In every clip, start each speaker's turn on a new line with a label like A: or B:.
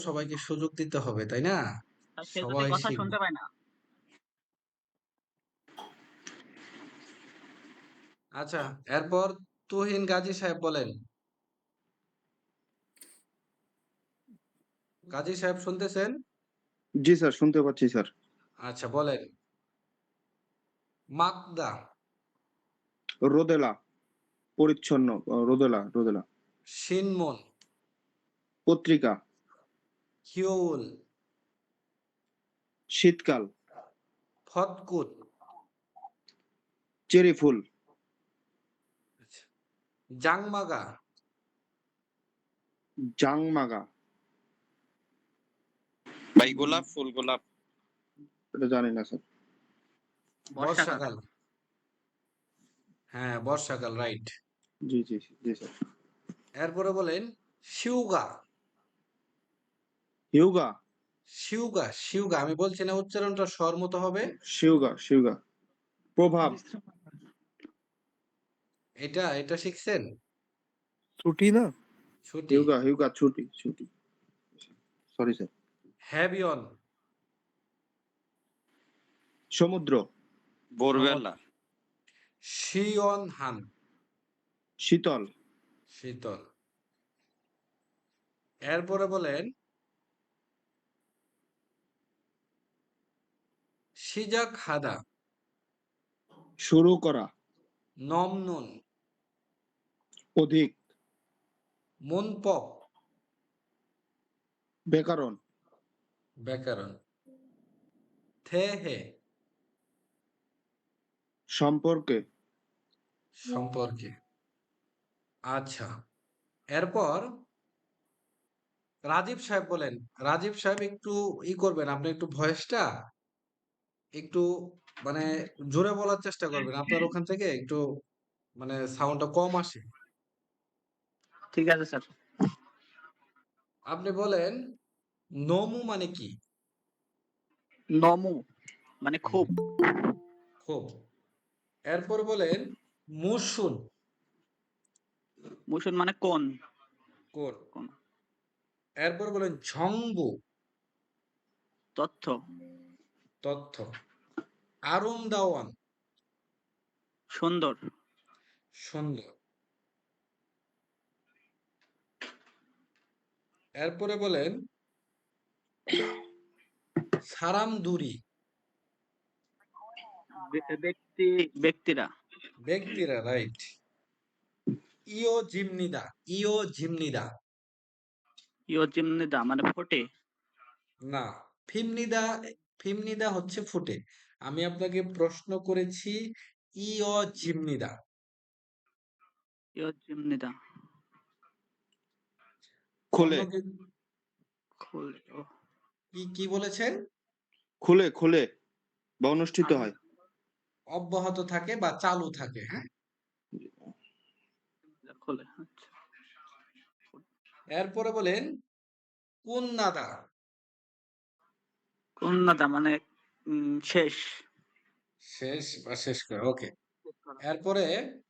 A: সবাইকে সুযোগ দিতে হবে, তাই না?
B: আর সে যদি
A: সবাই
B: কথা
A: শিখবে।
B: শুনতে পায় না।
A: আচ্ছা, এরপর তুহিন গাজী সাহেব বলেন। গাজী সাহেব শুনতেছেন?
C: জি স্যার, শুনতে পাচ্ছি স্যার।
A: আচ্ছা বলেন। মাকদা।
C: রোদেলা, পরিচ্ছন্ন। রোদেলা, রোদেলা।
A: শিনমুন।
C: পত্রিকা।
A: হিউল।
C: শীতকাল।
A: ফতকুত।
C: চেরি ফুল।
A: আচ্ছা, জাংমাগা।
C: জাংমাগা।
D: ভাই গোলাপ ফুল, গোলাপ।
C: এটা জানি না স্যার।
B: বর্ষাকাল।
A: বর্ষাকাল। হ্যাঁ, বর্ষাকাল, রাইট।
C: জি জি জি স্যার।
A: এরপরে বলেন শিউগা।
C: হিউগা।
A: শিউগা, শিউগা, আমি বলছি না উচ্চারণটা স্বর মতো হবে।
C: শিউগা, শিউগা। প্রভাব।
A: এটা এটা শিখছেন?
E: ছুটি না।
A: ছুটি।
C: হিউগা, হিউগা, ছুটি, ছুটি। Sorry sir.
A: হ্যাবিয়ন।
C: সমুদ্র।
D: ভোরবেলা।
A: শিয়ন হান।
C: শীতল।
A: শীতল। এরপরে বলেন সিজাক হাদা।
C: শুরু করা।
A: নমনুন।
C: অধিক।
A: মুনপক।
C: ব্যাকরণ।
A: ব্যাকরণ। থেহে।
C: সম্পর্কে।
A: সম্পর্কে। আচ্ছা, এরপর রাজীব সাহেব বলেন। রাজীব সাহেব একটু করবেন, আপনি একটু ভয়েসটা একটু মানে জোরে বলার চেষ্টা করবেন, আপনার ওখান থেকে একটু মানে সাউন্ডটা কম আসে।
B: ঠিক আছে স্যার।
A: আপনি বলেন নমু মানে কি?
B: নমু মানে খুব।
A: খুব। এরপর বলেন মুসুন।
B: মুসুন মানে কোন।
A: কোন।
B: কোন।
A: এরপর বলেন ঝংবু।
B: তথ্য।
A: তথ্য। আরুম দাওয়ান।
B: সুন্দর।
A: সুন্দর। এরপরে বলেন সারাম দুরি।
B: ব্যক্তিরা।
A: ব্যক্তিরা, রাইট। ইও জিমনিদা। ইও জিমনিদা।
B: ইয়জিমনিদা মানে ফোটে।
A: না, ফিমনিদা। ফিমনিদা হচ্ছে ফুটে। আমি আপনাকে প্রশ্ন করেছি ইও জিমনিদা।
B: ইয়জিমনিদা
A: অন্য
C: খুলে। কি
A: কি বলেছেন?
C: খুলে, খুলে বা অনুষ্ঠিত হয়।
A: অব্যাহত থাকে বা চালু থাকে, হ্যাঁ।
B: খোলে। আচ্ছা।
A: এরপরে বলেন কোন নাদা।
B: উন্নতা মানে শেষ।
A: শেষ বা শেষ করে, ওকে। এরপরে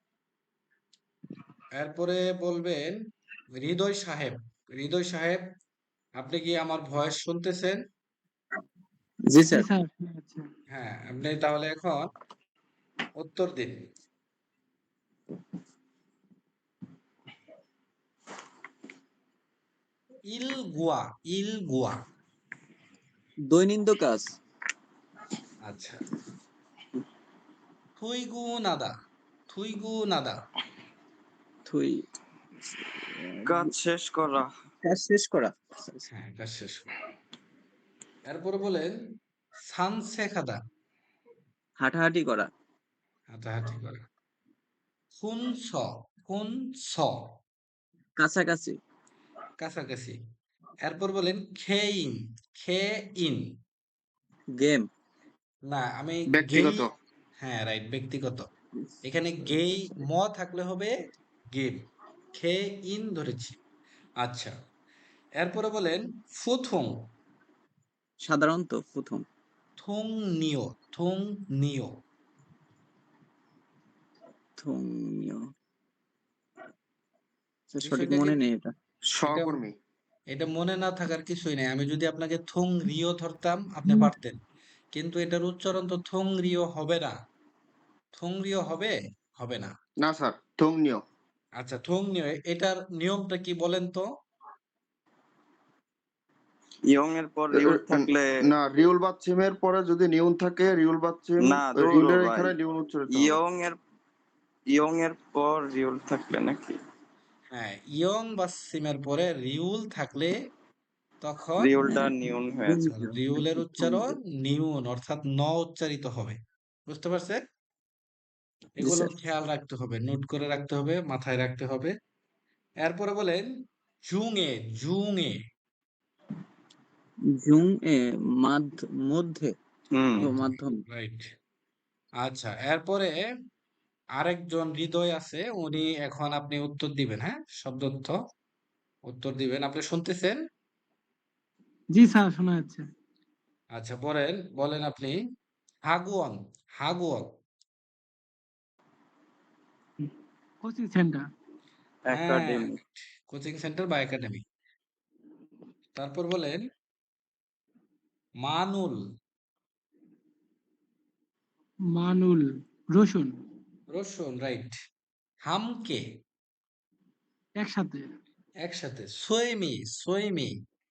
A: এরপরে বলবেন হৃদয় সাহেব। হৃদয় সাহেব, আপনি কি আমার ভয়েস শুনতেছেন?
E: জি স্যার।
A: হ্যাঁ, আপনি তাহলে এখন উত্তর দিন। ইলগুয়া। ইলগুয়া।
E: দৈনন্দিন কাজ।
A: আচ্ছা। থুইগু নাদা। থুইগু নাদা।
E: থুই।
D: কাজ শেষ করা।
E: কাজ শেষ করা।
A: হ্যাঁ, কাজ শেষ করা। এরপরে বলেন সানসেখাদা।
E: হাঁটাহাঁটি করা।
A: হাঁটাহাঁটি করা। খুন স। খুন স।
E: কাছাকাছি।
A: কাছাকাছি। এরপর বলেন খেইন। খে ইন।
E: গেম।
A: না, আমি গেই।
C: ব্যক্তিগত।
A: হ্যাঁ, রাইট, ব্যক্তিগত। এখানে গেই ম থাকলে হবে গেম। খে ইন ধরেছি। আচ্ছা, এরপরে বলেন ফুথুং।
E: সাধারণত প্রথম।
A: থুং নিও। থুং নিও।
E: ধর্মীয়। সঠিক
A: বিষয়টা কি?
E: মনে নেই এটা।
A: এটা
C: সহকর্মী।
A: এটা মনে না থাকার কিছুই নেই। আমি যদি আপনাকে থুং রিও ধরতাম আপনি পারতেন, কিন্তু এটার উচ্চারণ তো থুং রিও হবে না। থুং রিও হবে? হবে না।
C: না স্যার, থংনিও।
A: আচ্ছা, থুং নিও, এটার নিয়মটা কি বলেন তো?
D: ইয়ং এর পর রিউল থাকলে
C: না, রিউল বাচ্চিমের পরে যদি নিউন থাকে, রিউল বাচ্চিম
D: না ধরো
C: রিউলের
D: ভাই,
C: এখানে নিউন উচ্চারিত হবে।
D: ইয়ং এর পর রিউল থাকলে নাকি
A: হ্যাঁ, ইয়ং বা সিমের পরে রিউল থাকলে তখন
D: রিউলটা নিউন হয়ে যায়।
A: রিউলের উচ্চারণ নিউন অর্থাৎ ন উচ্চারিত হবে। বুঝতে পারছেন?
E: জি
A: এগুলো
E: স্যার।
A: খেয়াল রাখতে হবে, নোট করে রাখতে হবে, মাথায় রাখতে হবে। এরপরে বলেন জুঙে, জুঙে।
E: জুং এ মধ্যে
D: হুম
E: ও মাধ্যম।
A: রাইট। আচ্ছা, এরপরে আরেকজন হৃদয় আছে, উনি এখন আপনি উত্তর দিবেন, হ্যাঁ? শব্দর্থ উত্তর দিবেন। আপনি শুনতেছেন?
F: জি স্যার, শোনা যাচ্ছে।
A: আচ্ছা, বলেন বলেন আপনি। হাগুয়াং, হাগুয়াং।
F: Coaching centre.
A: হ্যাঁ,
D: একাডেমি।
A: কোচিং সেন্টার বা একাডেমি। তারপর বলেন মানুল,
F: মানুল, রসুন।
A: রসুন, রাইট। হামকে,
F: একসাথে।
A: একসাথে। সোয়েমি, সোয়েমি।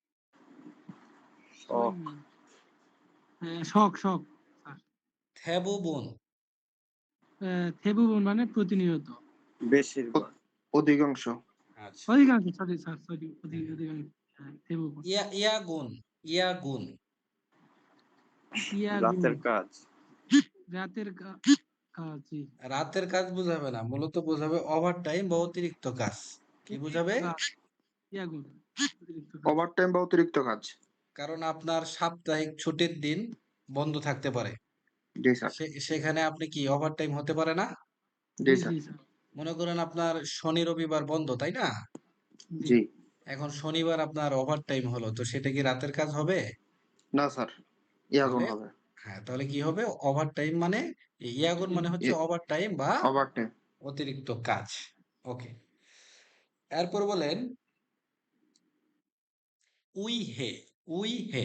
D: শখ।
F: শখ, শখ স্যার।
A: থেবুবুন,
F: থেবুবন মানে প্রতিনিয়ত।
D: বেশিরভাগ।
C: অধিকাংশ।
A: আচ্ছা।
F: অধিকাংশ, সরি স্যার, সরি,
A: হুম।
F: অধিকাংশ। হ্যাঁ, থেবুবন।
A: ইয়াগুন, ইয়াগুন।
F: ইয়াগুন,
D: রাতের কাজ।
F: রাতের কাজ। জি।
A: রাতের কাজ বুঝাবে না, মূলত বোঝাবে ওভার টাইম বা অতিরিক্ত কাজ। কি বুঝাবে?
F: কাজ, ইয়াগুন, অতিরিক্ত কাজ।
C: ওভারটাইম বা অতিরিক্ত কাজ।
A: কারণ আপনার সাপ্তাহিক ছুটির দিন বন্ধ থাকতে পারে,
C: জি স্যার।
A: সেখানে আপনি কি ওভার টাইম হতে পারে না?
C: জি
F: জি
C: স্যার।
F: জি স্যার।
A: মনে করেন আপনার শনি রবিবার বন্ধ, তাই না?
F: জি।
C: জি।
A: এখন শনিবার আপনার ওভার টাইম হলো, তো সেটা কি রাতের কাজ হবে?
C: না স্যার, ইয়াগুন
A: তাহলে
C: হবে।
A: হ্যাঁ, তাহলে কি হবে? ওভার টাইম মানে ইয়াগুন মানে হচ্ছে ওভার টাইম বা
C: ওভারটাইম।
A: অতিরিক্ত কাজ। ওকে। এরপর বলেন উই হে, উই হে।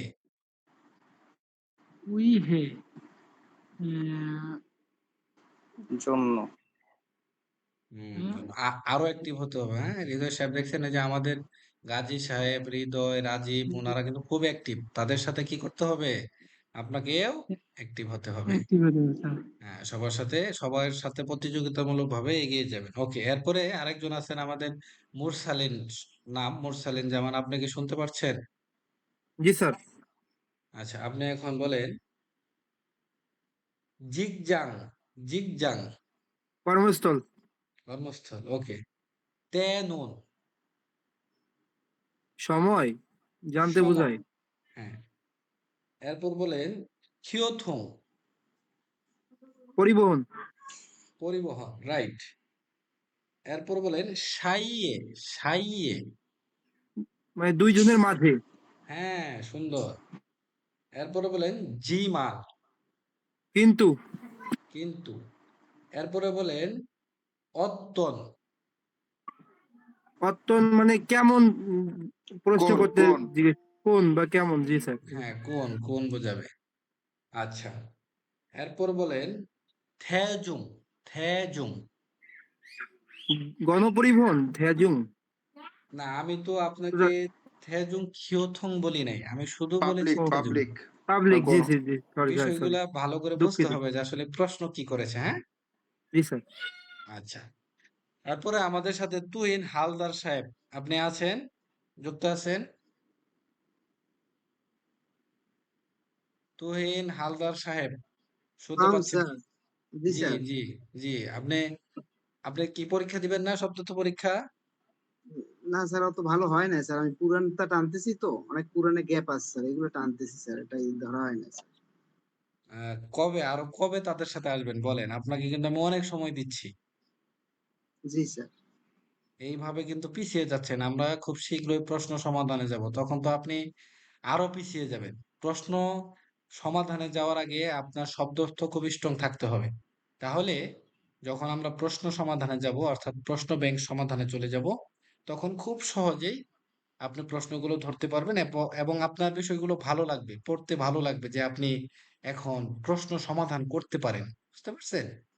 F: উই হে, আহ,
D: জন্য।
F: হ্যাঁ,
A: আরো অ্যাক্টিভ হতে হবে, হ্যাঁ? হৃদয় সাহেব দেখছেন এই যে আমাদের গাজী সাহেব, হৃদয়, রাজীব, ওনারা কিন্তু খুব অ্যাক্টিভ। তাদের সাথে কি করতে হবে? আপনাকেও অ্যাক্টিভ হতে হবে।
F: active হতে হবে স্যার।
A: হ্যাঁ, সবার সাথে প্রতিযোগিতামূলক ভাবে এগিয়ে যাবেন। ওকে, এরপরে আরেকজন আছেন আমাদের মুরসালিন, নাম মুরসালিন জামান। আপনি কি শুনতে পারছেন?
G: জি স্যার।
A: আচ্ছা, আপনি এখন বলেন জিগজাং, জিগজাং।
G: কর্মস্থল।
A: কর্মস্থল, ওকে। তে নুন,
G: সময় জানতে
A: সময়।
G: বোঝায়।
A: হ্যাঁ। এরপর বলেন খিওথুং,
G: পরিবহন।
A: পরিবহন, রাইট। এরপর বলেন সাইয়ে, সাইয়ে।
G: মানে দুইজনের মাঝে।
A: হ্যাঁ, সুন্দর। এরপরে বলেন জিমা,
G: কিন্তু।
A: কিন্তু। এরপরে বলেন অত্তন,
G: অত্যন মানে কেমন, প্রশ্ন
C: কোন
G: করতে
C: কোন
G: জিজ্ঞেস কোন বা কেমন। জি স্যার।
A: হ্যাঁ, কোন, কোন বোঝাবে। আচ্ছা, এরপর বলেন থেজুং, থেজুং।
G: গণপরিবহন থেজুং।
A: না, আমি তো আপনাকে থেজুং খিওথং বলি নাই, আমি শুধু বলেছি
C: পাবলিক,
G: ও,
A: থেজুং।
C: পাবলিক।
G: পাবলিক। জি
C: কোন
G: জি জি, সরি স্যার, সরি।
A: বিষয়গুলা ভালো করে বুঝতে
G: দুঃখিত।
A: হবে যে আসলে প্রশ্ন কি করেছে, হ্যাঁ?
G: জি স্যার।
A: আচ্ছা, তারপরে আমাদের সাথে তুহিন হালদার সাহেব, আপনি আছেন? যুক্ত আছেন? তুহিন হালদার সাহেব, শুনতে পাচ্ছেন?
H: স্যার। জি
A: জি,
H: স্যার।
A: জি, জি। আপনি আপনি কি পরীক্ষা দিবেন না, শব্দত পরীক্ষা?
H: না স্যার, অত ভালো হয় না স্যার, আমি পুরানটা টানতেছি তো, অনেক পুরানে গ্যাপ আছে স্যার, এগুলো টানতেছি স্যার, এটাই ধরা হয় না স্যার।
A: কবে, আরো কবে তাদের সাথে আসবেন বলেন? আপনাকে কিন্তু আমি অনেক সময় দিচ্ছি।
H: জি স্যার।
A: এইভাবে কিন্তু পিছিয়ে যাচ্ছেন। আমরা খুব শীঘ্রই প্রশ্ন সমাধানে যাব, তখন তো আপনি আরো পিছিয়ে যাবেন। প্রশ্ন সমাধানে যাওয়ার আগে আপনার শব্দার্থ খুব স্ট্রং থাকতে হবে। তাহলে যখন আমরা প্রশ্ন সমাধানে যাব, অর্থাৎ প্রশ্ন ব্যাংক সমাধানে চলে যাব, তখন খুব সহজেই আপনি প্রশ্নগুলো ধরতে পারবেন এবং আপনার বিষয়গুলো ভালো লাগবে, পড়তে ভালো লাগবে যে আপনি এখন প্রশ্ন সমাধান করতে পারেন। বুঝতে পারছেন?